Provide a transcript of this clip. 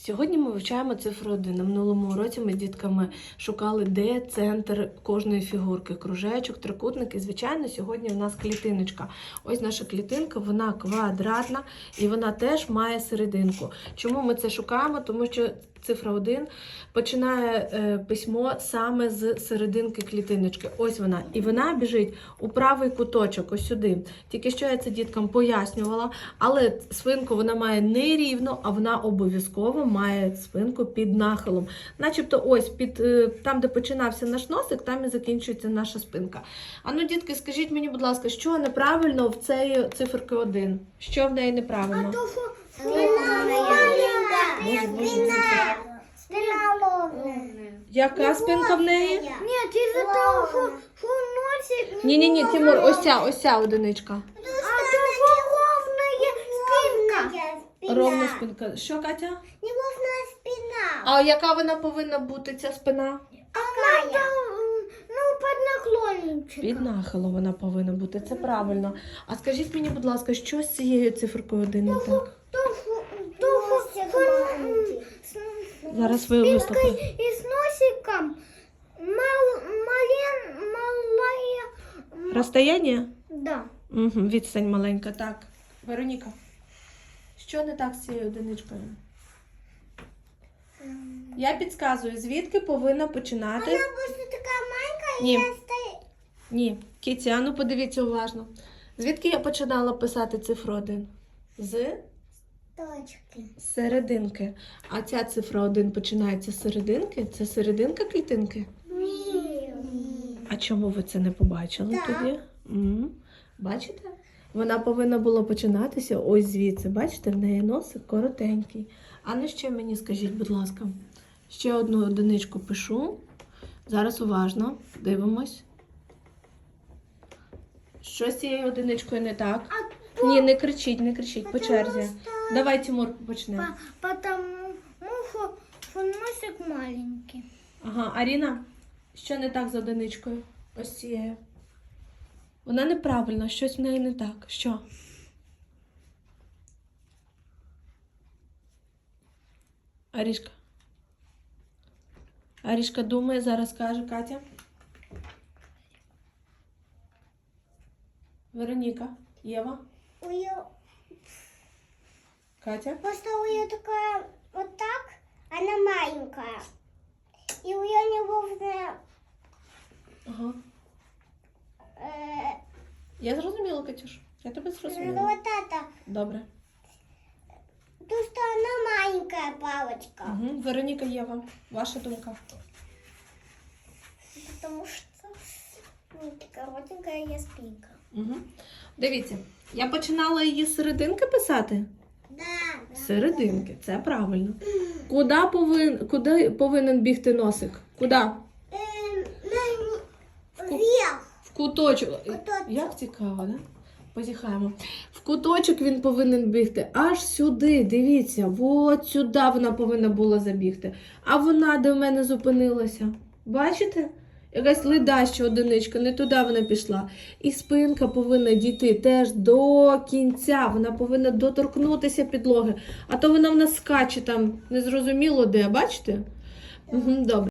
Сьогодні ми вивчаємо цифру 1. На минулому уроці ми з дітками шукали, де центр кожної фігурки. Кружечок, трикутник і, звичайно, сьогодні в нас клітиночка. Ось наша клітинка, вона квадратна і вона теж має серединку. Чому ми це шукаємо? Тому що цифра 1 починає письмо саме з серединки клітиночки. Ось вона. І вона біжить у правий куточок, ось сюди. Тільки що я це діткам пояснювала, але спинку вона має не рівно, а вона обов'язково має спинку під нахилом. Начебто ось там, де починався наш носик, там і закінчується наша спинка. А ну, дітки, скажіть мені, будь ласка, що неправильно в цієї циферки 1? Що в неї неправильно? Спина ровная. Яка спинка в неї? Нет, из-за того, что носик... Ні, Тимур, ось ця одиничка. А то ровная спинка. Ровна спинка. Що, Катя? Неровная спина. А яка вона повинна бути, ця спина? Какая? Ну, под наклонничком. Під нахилом вона повинна бути, це правильно. А скажіть мені, будь ласка, що з цією циферкою 1 не так? Зараз ви вислухайте. И с носиком малая... Розстояння? Да. Угу, відстань маленька, так. Вероніка, що не так з цією одиничкою? Я підказую, звідки повинна починати? Она просто такая маленькая, Ні. и я стою... Ні. Кіті, а ну подивіться уважно. Звідки я починала писати цифру 1? З Точки. серединки. А ця цифра 1 починається з серединки? Це серединка клітинки? Ні. А чому ви це не побачили Так. тоді? Бачите? Вона повинна була починатися ось звідси. Бачите, в неї носик коротенький. А ну ще мені скажіть, будь ласка. Ще одну одиничку пишу. Зараз уважно дивимось. Що з цією одиничкою не так? Ні, не кричіть, по черзі. Давай, Тимур, почнемо. Потому что носик маленький. Ага, Аріна, що не так з одиничкою? Ось цією. Вона неправильна, щось в неї не так. Що? Арішка. Арішка думає, зараз каже Катя. Вероніка, Єва, У нее Катя. просто у нее такая вот так, она маленькая. И у нее неровная. Ага. Я зрозуміла, Катюш. Я тебе зрозуміла. Вот это. Добре. То, что она маленькая палочка. Угу. Вероніка, Єва, ваша думка. Потому что такая коротенькая я спинка. Угу. Дивіться, я починала її з серединки писати. Да. Серединки, це правильно. Куди повинен бігти носик? Куди? Вверх. В куточок. Куточок. Як цікаво, да? Позіхаємо. В куточок він повинен бігти аж сюди, дивіться, от сюди вона повинна була забігти. А вона де в мене зупинилася. Бачите? Якась ледаща одиничка, не туди вона пішла. І спинка повинна дійти теж до кінця, вона повинна доторкнутися підлоги. А то вона в нас скаче там, незрозуміло де, бачите? Угу, добре.